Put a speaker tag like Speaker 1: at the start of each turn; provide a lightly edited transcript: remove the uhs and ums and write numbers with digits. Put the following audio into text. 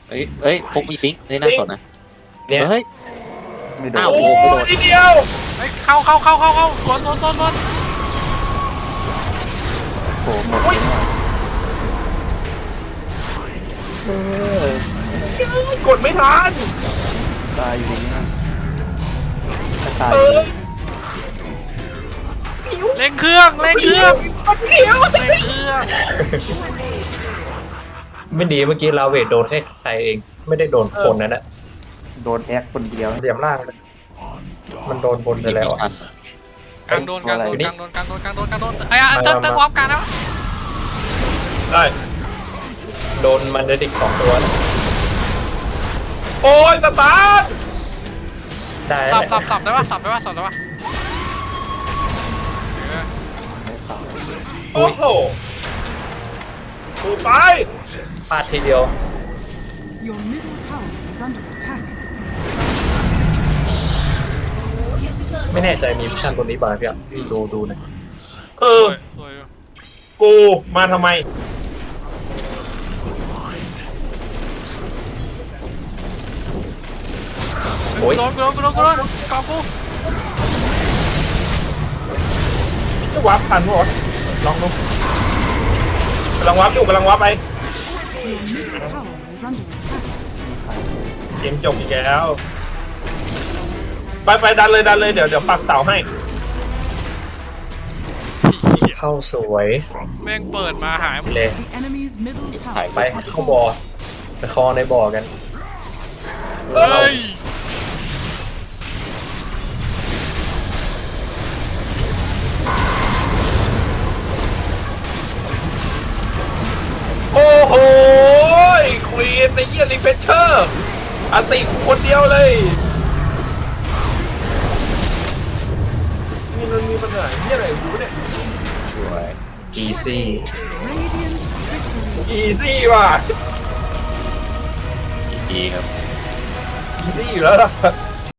Speaker 1: เอ้ยฟุกมีปิ๊งนี่น่าสนนะ
Speaker 2: เนี่ย
Speaker 1: เฮ้ย
Speaker 3: ไม่โด
Speaker 1: อ้าวน
Speaker 4: โอ้
Speaker 1: โอ้โหไม่โดน
Speaker 4: นิดเดียว
Speaker 5: เฮ้ยเข้าสวน
Speaker 3: โผล่หมดเลย
Speaker 4: กดไม่ทัน
Speaker 3: ตายอยู่นี่ถ้าตาย
Speaker 4: เออ
Speaker 5: เร่งเครื่อง
Speaker 4: เดียว
Speaker 2: ไม่ดีเมื่อกี้ลาเวทโดนแค่ใครเองไม่ได้โดนคนนั่นแหละ
Speaker 3: โดนแอคคนเดียว
Speaker 2: เหลี่ยมล่างเลยมันโดนบนไปแล้วอะ
Speaker 5: กลางโดนไอ้เติมวอร์มกันแล้ว
Speaker 4: ได้
Speaker 2: โดนมันเดดิก2 ตัวนะ
Speaker 4: โอ้ยสตาร์ท
Speaker 2: ได้
Speaker 5: สับได้ปะ
Speaker 4: โอ้โหถูกไป
Speaker 2: พลาดทีเดียว
Speaker 6: Your middle tower is under attack.
Speaker 2: ไม่แน่ใจมีมิชชั่นตัวนี้ป่ะพี่อ่ะดูหนะ
Speaker 4: เออ
Speaker 5: สวย
Speaker 4: กูมาทำไม
Speaker 2: โอ้ย
Speaker 5: โดนกองกู
Speaker 4: จะวับทันปะวะลองดูกำลังวับอยู่กำลังวับไป
Speaker 6: Your middle tower is under attack.
Speaker 4: เกมจบอีกแล้ว ไปดันเลยเดี๋ยวปักเสาให้
Speaker 2: เข้าสวย
Speaker 5: แม่งเปิดมาหายหมด
Speaker 2: เลย
Speaker 6: The enemy's middle tower
Speaker 2: ไป
Speaker 6: has
Speaker 2: เข้าบ่อ
Speaker 6: fallen.
Speaker 2: ไปคอในบ่อกัน
Speaker 5: เฮ้ย
Speaker 4: โอ้โหควีนในเยี่ยรีเฟชเชอร์อาติคนเดียวเลยนี่มันมีปัญหาเยี่ยอะไรกูเนี่ย
Speaker 2: สวยอีซี่
Speaker 6: Radiant victory.
Speaker 4: อีซี่ว่ะ
Speaker 1: จีครับ
Speaker 4: อีซี่อยู่แล้วล่ะ